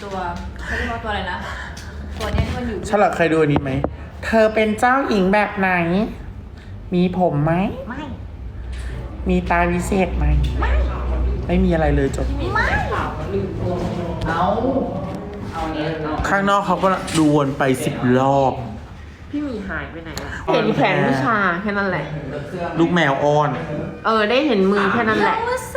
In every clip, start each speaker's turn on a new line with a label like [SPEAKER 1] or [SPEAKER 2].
[SPEAKER 1] ตัวเขาเรียกว่าตัวอะไรนะตัวเนี้ยที่มันอยู่
[SPEAKER 2] ฉลาดเคยดูอันนี้ไหมเธอเป็นเจ้าหญิงแบบไหน มีผมไหม
[SPEAKER 1] ไม่
[SPEAKER 2] มีตาวิเศษไหมไม่มีอะไรเลยจบ
[SPEAKER 1] ไม่
[SPEAKER 3] เอาเนี้ยเอา
[SPEAKER 2] ข้างนอกเขาก็ดูวนไป10 รอบ
[SPEAKER 4] พี่หมีหายไปไหนอะเห็นแขนวิชาแค่นั้นแหละ
[SPEAKER 2] ลูกแมวอ้อน
[SPEAKER 4] ได้เห็นมือแค่นั้นแหละ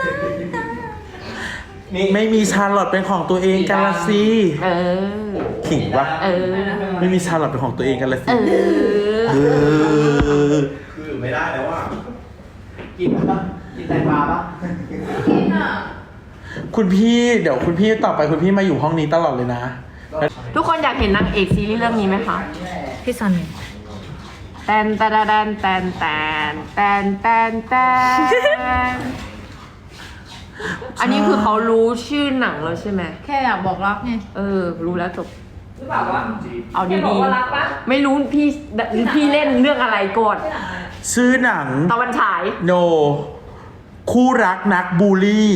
[SPEAKER 2] ไม่มีชาร์ลอตเป็นของตัวเองกันละสิ
[SPEAKER 4] เออ
[SPEAKER 2] ขิงวะ
[SPEAKER 4] เออ
[SPEAKER 2] ไม่มีชาร์ลอตเป็นของตัวเองกันละสิ
[SPEAKER 4] เออ
[SPEAKER 2] เออ
[SPEAKER 5] คือไม่ได้แล้วว่า
[SPEAKER 3] กินปะกินแตงกวาปะ
[SPEAKER 1] กินอ่ะ
[SPEAKER 2] คุณพี่เดี๋ยวคุณพี่ต่อไปคุณพี่มาอยู่ห้องนี้ตลอดเลยนะ
[SPEAKER 4] ทุกคนอยากเห็นนางเอกซีรีส์เรื่องนี้ไหมคะ
[SPEAKER 1] พี่ซัน
[SPEAKER 4] แตนแตนแตนแตนแตนแตนแตนแตนอันนี้คือเขารู้ชื่อหนังแล้วใช่ไหม
[SPEAKER 1] แค่อยากบอกรักไง
[SPEAKER 4] รู้แล้วจบ
[SPEAKER 1] หรือเปล่าวะ
[SPEAKER 4] เอา
[SPEAKER 1] แค่
[SPEAKER 4] ดี
[SPEAKER 1] บอกว่ารักปะ
[SPEAKER 4] ๆไม่รู้พี่เล่นเรื่องอะไรก่อน
[SPEAKER 2] ชื่อหนัง
[SPEAKER 4] ตะวันฉาย
[SPEAKER 2] โน คู่รักนักบูลลี่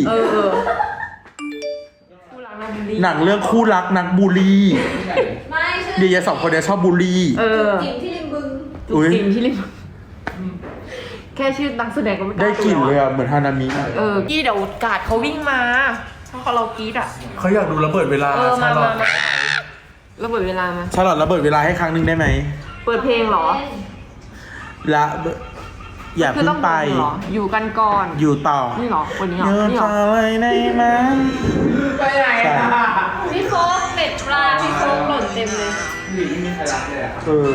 [SPEAKER 4] ผู้รักนักบุรี
[SPEAKER 2] หนังเรื่องคู่รักนักบูลลี่
[SPEAKER 1] ไม่ชื่อ
[SPEAKER 2] เดียสองคนเนี่ยชอบบูลลี่
[SPEAKER 1] จิ๋มที่ริมบึง
[SPEAKER 4] จุกจิมที่ริมแค่ชื่อนักแสดงก็ไม่
[SPEAKER 2] ได้กลิ่นเลยอะเหมือนฮานามิอะ
[SPEAKER 4] กี้เดี๋ยวกาดเขาวิ่งมาถ้าเขาเรากรีดอ่ะ
[SPEAKER 2] เขาอยากดูระเบิดเวลา
[SPEAKER 4] มา
[SPEAKER 2] ชาลอต
[SPEAKER 4] ระเบิดเวลามา
[SPEAKER 2] ชาลอตระเบิดเวลาให้ครั้งหนึ่งได้ไหม
[SPEAKER 4] เปิดเพลงเหรอ
[SPEAKER 2] ละอย่า
[SPEAKER 4] คือ
[SPEAKER 2] เพิ่
[SPEAKER 4] ต้อง ง
[SPEAKER 2] ไป
[SPEAKER 4] เหรออยู่กันก่อน
[SPEAKER 2] อยู่ต่อ
[SPEAKER 4] นี่เหรอวันนี้เหรอ
[SPEAKER 2] อยู่
[SPEAKER 4] นี่เหร
[SPEAKER 2] ต่
[SPEAKER 4] อ
[SPEAKER 2] อเลยได้ไหม
[SPEAKER 3] ไปไหนอ่ะ
[SPEAKER 1] พี่โฟกเม็ดปลาพี่โฟกหล่นเต็มเลย
[SPEAKER 3] หรือไม่มีใครรักเลยอ่ะ
[SPEAKER 2] เออ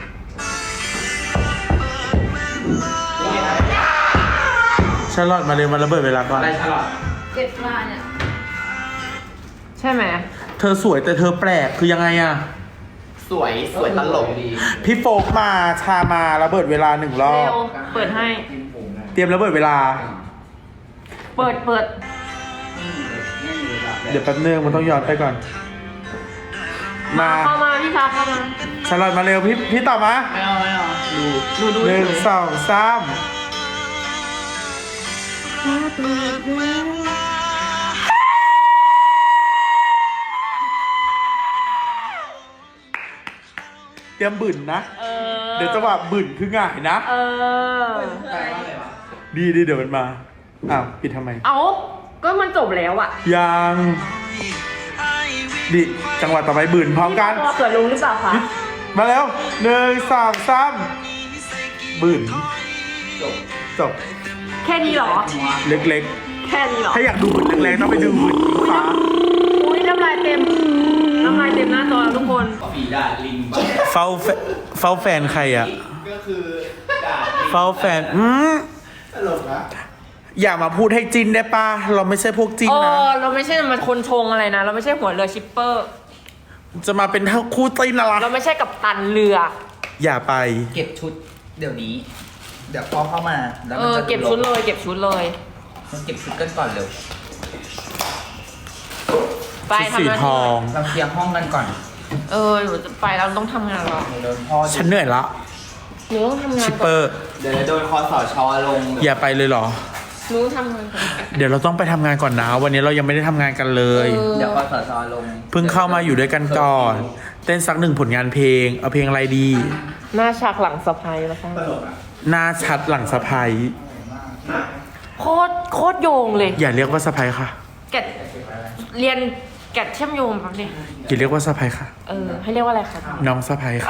[SPEAKER 2] ชาลอตมาเร็วมาระเบิดเวลาก่อน
[SPEAKER 3] อะไรฉลาด
[SPEAKER 1] เจ็บปลาเนี่ย
[SPEAKER 4] ใช่ไหม
[SPEAKER 2] เธอสวยแต่เธอแปลกคือยังไงอะ
[SPEAKER 3] สวยตลกดี
[SPEAKER 2] พี่โฟกมาชามาระเบิดเวลา1 รอ
[SPEAKER 4] เร็
[SPEAKER 2] บ
[SPEAKER 4] วเปิดให้
[SPEAKER 3] กินผมนะ
[SPEAKER 2] เตรียมระเบิดเวลา
[SPEAKER 4] เปิด
[SPEAKER 3] ไม่มีเวลา
[SPEAKER 2] เดี๋ยวแป๊บนึงมันต้องย้อนไปก่อน มา
[SPEAKER 4] เข้ามาพี่ชาเข้ามา
[SPEAKER 2] ชาลอตมาเร็วพี่ต่อมา
[SPEAKER 3] ไม่เอาดู
[SPEAKER 4] ดู
[SPEAKER 2] หนึ่ง
[SPEAKER 4] เฉย
[SPEAKER 2] สองสามเตรียมบึ่นนะ เดี๋ยวจังหวะบึ่นคือง่ายนะ
[SPEAKER 4] เออ
[SPEAKER 3] แปลว่าอะไรวะ
[SPEAKER 2] ดีเดี๋ยวมันมา อ้าวปิดทำไม
[SPEAKER 4] เอาก็มันจบแล้วอ่ะ
[SPEAKER 2] ยังดิจังหวะต่อไปบึ่นพร้อมกัน
[SPEAKER 4] ตัวเกิดลุงหรือเปล่าคะ
[SPEAKER 2] มาแล้วหนึ่งสองสามบึ่น
[SPEAKER 3] จบ
[SPEAKER 2] จบ
[SPEAKER 4] แค่นี้เหรอ
[SPEAKER 2] เล็ก
[SPEAKER 4] แค่นี้เหรอ
[SPEAKER 2] ๆ ถ้าอยากดูบึ่นแรงๆต้องไปดูบึ่นอิงฟ้า
[SPEAKER 4] อุ้ยน้ำลายเต็มหน้าจอแล้วทุกคน
[SPEAKER 3] ฝีดาดลิง
[SPEAKER 2] เฝ้าแฟนใครอ่ะ
[SPEAKER 3] ก็คือดาดลิง
[SPEAKER 2] เฝ้าแฟน
[SPEAKER 3] ตลกนะ
[SPEAKER 2] อย่ามาพูดให้จินได้ปะเราไม่ใช่พวกจินนะ
[SPEAKER 4] เราไม่ใช่มันคนชงอะไรนะ เราไม่ใช่หัวเรือชิปเปอร์
[SPEAKER 2] จะมาเป็นทั้งคู่จินอะไร
[SPEAKER 4] เราไม่ใช่กับตันเรือ
[SPEAKER 2] อย่าไป
[SPEAKER 3] เก็บชุดเดี๋ยวนี้ เดี๋ยวพอเข้ามาแล้วมันจะ
[SPEAKER 4] เก็บชุดเลย เก็บชุดเลย
[SPEAKER 3] มันเก็บชุดกันก่อนเร็ว
[SPEAKER 4] ไป
[SPEAKER 2] ชุด
[SPEAKER 4] ทำ
[SPEAKER 2] สี
[SPEAKER 4] หน้า
[SPEAKER 2] ท
[SPEAKER 4] ที่
[SPEAKER 2] อง
[SPEAKER 3] เราเคลียร์ห้องกันก่อน
[SPEAKER 4] หนูจะไปแล้วต้องทำงานแล้ว
[SPEAKER 3] เดี๋ยวพ่อ
[SPEAKER 2] ฉันเหนื่อยละ
[SPEAKER 4] หนูต้องทำงาน
[SPEAKER 2] ชิป
[SPEAKER 4] ก่
[SPEAKER 2] เป
[SPEAKER 4] อน
[SPEAKER 2] อร์
[SPEAKER 3] เดี๋ยวโดนคอสชลง
[SPEAKER 2] อย่าไปเลยเหรอ
[SPEAKER 4] หนูทำงานก่อน
[SPEAKER 2] เดี๋ยวเราต้องไปทำงานก่อนนะ วันนี้เรายังไม่ได้ทำงานกันเลย
[SPEAKER 3] เดี๋ยวคอสชลง
[SPEAKER 2] เพิ่งเข้ามาอยู่ด้วยกันก่อน เต้นสัก1 ผลงานเพลง เอาเพลงอะไรดี
[SPEAKER 4] หน้าฉากหลังสะพายแล้วค่ะ
[SPEAKER 3] ตลกอ่ะ
[SPEAKER 2] หน้าชัดหลังสะพาย
[SPEAKER 4] โคตรโยงเลย
[SPEAKER 2] อย่าเรียกว่าสะพายค่ะ
[SPEAKER 4] แกะเรียนแกะเชื่อมโยงแบบนี้
[SPEAKER 2] อย่าเรียกว่าสะพายค่ะ
[SPEAKER 4] ให้เรียกว่าอะไรคะ
[SPEAKER 2] น้องสะพายค่ะ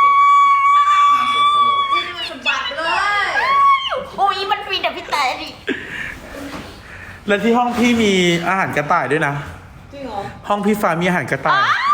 [SPEAKER 1] จิ้มมันสะบัดเลย
[SPEAKER 4] โอ้ยมันฟีแต่พี่แต่ดิ
[SPEAKER 2] และที่ห้องพี่มีอาหารกระต่ายด้วยนะ
[SPEAKER 1] จริงเหรอ
[SPEAKER 2] ห้องพี่ฟ้ามีอาหารกระต่าย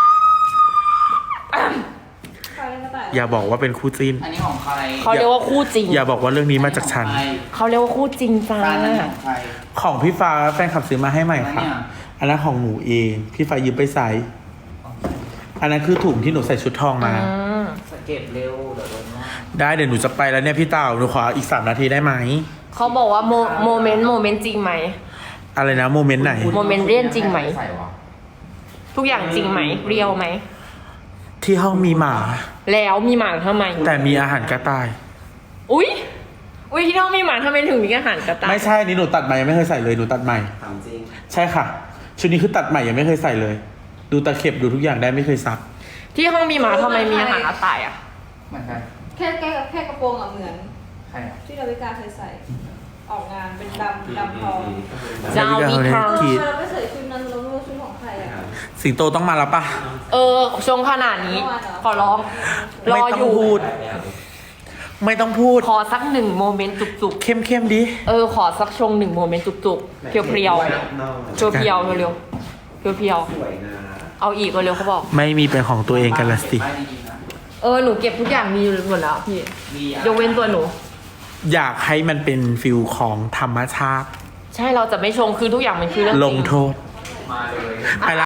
[SPEAKER 1] ใครเล่นกระต่าย
[SPEAKER 2] อย่าบอกว่าเป็นคู่จิ้น
[SPEAKER 3] อันนี้ของใคร
[SPEAKER 4] เขาเรียกว่าคู่จริง
[SPEAKER 2] อย่าบอกว่าเรื่องนี้มาจากฉัน
[SPEAKER 4] เขาเรียกว่าคู่จริงจ้า
[SPEAKER 3] ร้านนั้นของใคร
[SPEAKER 2] ของพี่ฟ้าแฟนคลับซื้อมาให้ใหม่ค่ะ
[SPEAKER 3] อันเนี้ย
[SPEAKER 2] อันนั้นของหนูเอง พี่ฟ้ายืมไปใส่ อันนั้นคือถุงที่หนูใส่ชุดทองมา
[SPEAKER 3] สเก็ตเร็วเดี๋ยวโดนว่า
[SPEAKER 2] ได้เดี๋ยวหนูจะไปแล้วเนี่ยพี่เต่าหนูขออีก3 นาทีได้ไหม
[SPEAKER 4] เขาบอกว่าโมเมนต์จริงไหม
[SPEAKER 2] อะไรนะโมเมนต์ไหน
[SPEAKER 4] โมเมนต์เรียนจริงไหม
[SPEAKER 3] ใส่วะ
[SPEAKER 4] ทุกอย่างจริงไหมเรียวไหม
[SPEAKER 2] ที่ห้องมีหมา
[SPEAKER 4] แล้วมีหมาทำไม
[SPEAKER 2] แต่มีอาหารกระต่าย
[SPEAKER 4] อุ้ยที่น้องมีหมาทำไมถึงมีอาหารกระต่าย
[SPEAKER 2] ไม่ใช่นี่หนูตัดใหม่ยังไม่เคยใส่เลยหนูตัดใหม่
[SPEAKER 3] ถามจริง
[SPEAKER 2] ใช่ค่ะ ชุดนี้คือตัดใหม่ยังไม่เคยใส่เลยดูตะเข็บดูทุกอย่างได้ไม่เคยซัก
[SPEAKER 4] ที่ห้องมีหมาทำไมมีอาหารกระต่ายอ่ะ
[SPEAKER 3] เหมือนกัน
[SPEAKER 1] แค่กระโปรงอะเหมือน
[SPEAKER 3] ใครอ่ะ
[SPEAKER 1] ที่ดาวิกาเคยใส่ ออกงานเป็นดำทอง
[SPEAKER 4] จะเอามีทาง
[SPEAKER 2] ขีด
[SPEAKER 1] เราไม่ใส่ชุดนั้นเราไม่รู้ชุดของใครอะ
[SPEAKER 2] สิงโตต้องมาแล้วปะ
[SPEAKER 4] ชงขนาดนี้ ขอร้อง ร
[SPEAKER 2] ไม่
[SPEAKER 4] อ
[SPEAKER 2] ต้
[SPEAKER 4] อ
[SPEAKER 2] อง
[SPEAKER 4] ยู่
[SPEAKER 2] พูด ไม่ต้องพูด
[SPEAKER 4] ขอสัก1โมเมนต์จุก
[SPEAKER 2] เข้มๆดิ
[SPEAKER 4] ๆขอสักชง1โมเมนต์จุกๆเพียวๆเพียวๆเร็วๆเพียวๆเอาอีกเร็วๆเขาบอก
[SPEAKER 2] ไม่มีเป็นของตัวเองกันละสิ
[SPEAKER 3] ไม่ดีๆนะ
[SPEAKER 4] หนูเก็บทุกอย่างมีหมดแล้วพี่
[SPEAKER 3] มีอะ
[SPEAKER 4] ยกเว้นตัวหนู
[SPEAKER 2] อยากให้มันเป็นฟิลของธรรมชาติ
[SPEAKER 4] ใช่เราจะไม่ชงคือทุกอย่างมันคือเรื่องจริง
[SPEAKER 2] ลงโทษ
[SPEAKER 3] มาเลย
[SPEAKER 2] ไปละ